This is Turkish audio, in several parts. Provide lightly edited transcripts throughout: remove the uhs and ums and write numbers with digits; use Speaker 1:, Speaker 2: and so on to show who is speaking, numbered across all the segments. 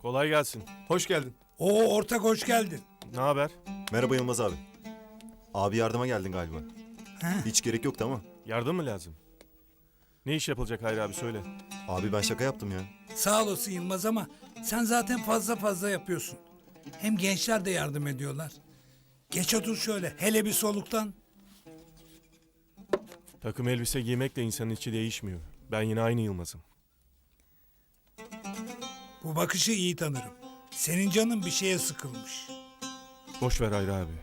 Speaker 1: Kolay gelsin.
Speaker 2: Hoş geldin.
Speaker 3: Oo ortak hoş geldin.
Speaker 1: Ne haber?
Speaker 4: Merhaba Yılmaz abi. Abi yardıma geldin galiba.
Speaker 3: He?
Speaker 4: Hiç gerek yoktu ama.
Speaker 1: Yardım mı lazım? Ne iş yapılacak Hayri abi söyle.
Speaker 4: Abi ben şaka yaptım ya.
Speaker 3: Sağ olasın Yılmaz ama sen zaten fazla yapıyorsun. Hem gençler de yardım ediyorlar. Geç otur şöyle hele bir soluktan.
Speaker 1: Takım elbise giymekle insanın içi değişmiyor. Ben yine aynı Yılmaz'ım.
Speaker 3: Bu bakışı iyi tanırım. Senin canın bir şeye sıkılmış.
Speaker 1: Boş ver Hayri abi.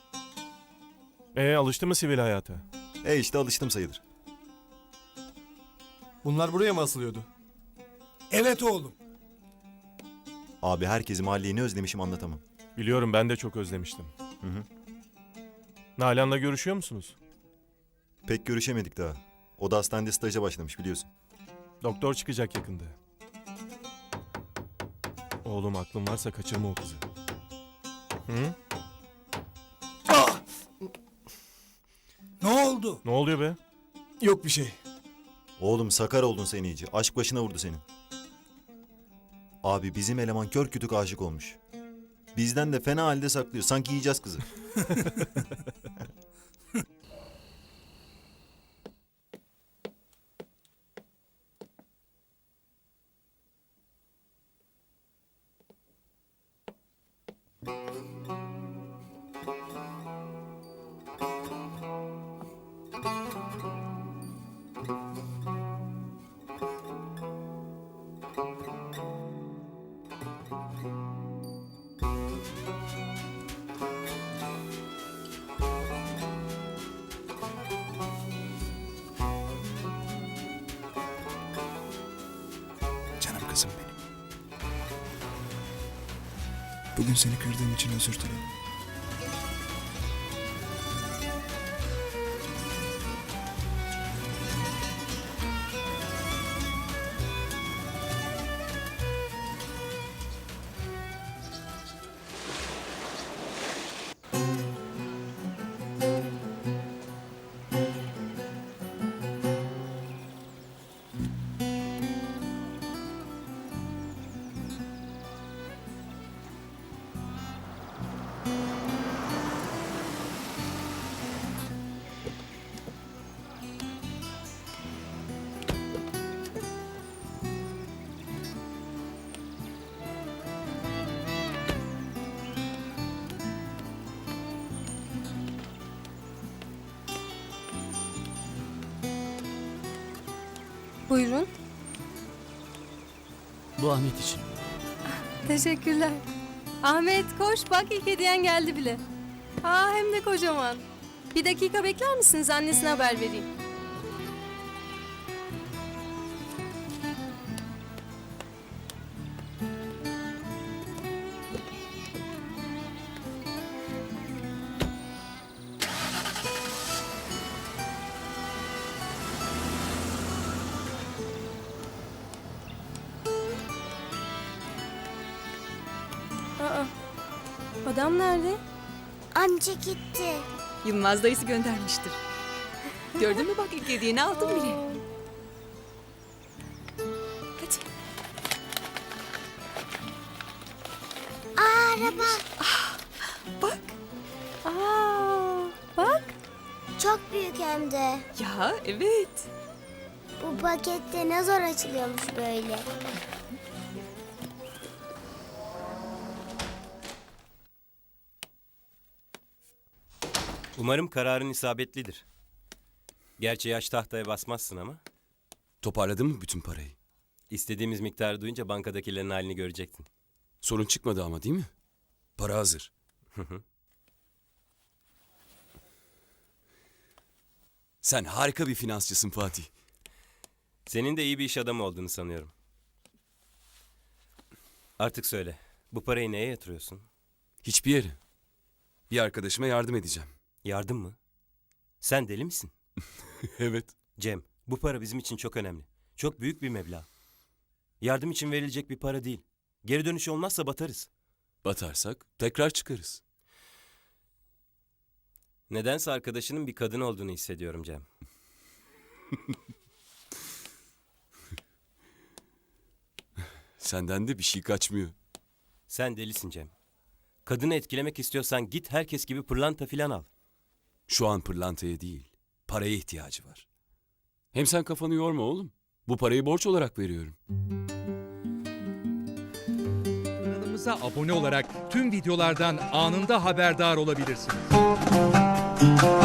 Speaker 1: Alıştı mı sivil hayata?
Speaker 4: İşte alıştım sayılır.
Speaker 2: Bunlar buraya mı asılıyordu?
Speaker 3: Evet oğlum.
Speaker 4: Abi herkesi mahalleyi ne özlemişim anlatamam.
Speaker 1: Biliyorum ben de çok özlemiştim.
Speaker 4: Hı.
Speaker 1: Nalan'la görüşüyor musunuz?
Speaker 4: Pek görüşemedik daha. O da hastanede staja başlamış biliyorsun.
Speaker 1: Doktor çıkacak yakında. Oğlum aklın varsa kaçırma o kızı. Hı?
Speaker 3: Ne oldu?
Speaker 1: Ne oluyor be?
Speaker 2: Yok bir şey.
Speaker 4: Oğlum sakar oldun sen iyice. Aşk başına vurdu senin. Abi bizim eleman kör kütük aşık olmuş. Bizden de fena halde saklıyor. Sanki yiyeceğiz kızı.
Speaker 5: Canım kızım benim. Bugün seni kırdığım için özür dilerim.
Speaker 6: Buyurun.
Speaker 7: Bu Ahmet için.
Speaker 6: Teşekkürler. Ahmet koş bak ilk hediyen geldi bile. Hem de kocaman. Bir dakika bekler misiniz? Annesine haber vereyim. Adam nerede?
Speaker 8: Amca gitti.
Speaker 9: Yılmaz dayısı göndermiştir. Gördün mü bak ilk hediyeni aldım bile. Hadi.
Speaker 8: Araba.
Speaker 9: Bak.
Speaker 6: Bak.
Speaker 8: Çok büyük hem de.
Speaker 9: Ya evet.
Speaker 8: Bu pakette ne zor açılıyormuş böyle.
Speaker 7: Umarım kararın isabetlidir. Gerçi yaş tahtaya basmazsın ama.
Speaker 10: Toparladın mı bütün parayı?
Speaker 7: İstediğimiz miktarı duyunca bankadakilerin halini görecektin.
Speaker 10: Sorun çıkmadı ama değil mi? Para hazır. Sen harika bir finansçısın Fatih.
Speaker 7: Senin de iyi bir iş adamı olduğunu sanıyorum. Artık söyle. Bu parayı neye yatırıyorsun?
Speaker 10: Hiçbir yere. Bir arkadaşıma yardım edeceğim.
Speaker 7: Yardım mı? Sen deli misin?
Speaker 10: Evet.
Speaker 7: Cem, bu para bizim için çok önemli. Çok büyük bir meblağ. Yardım için verilecek bir para değil. Geri dönüş olmazsa batarız.
Speaker 10: Batarsak tekrar çıkarız.
Speaker 7: Nedense arkadaşının bir kadın olduğunu hissediyorum Cem.
Speaker 10: Senden de bir şey kaçmıyor.
Speaker 7: Sen delisin Cem. Kadını etkilemek istiyorsan git herkes gibi pırlanta filan al.
Speaker 10: Şu an pırlantaya değil, paraya ihtiyacı var. Hem sen kafanı yorma oğlum. Bu parayı borç olarak veriyorum.
Speaker 11: Kanalımıza abone olarak tüm videolardan anında haberdar olabilirsiniz.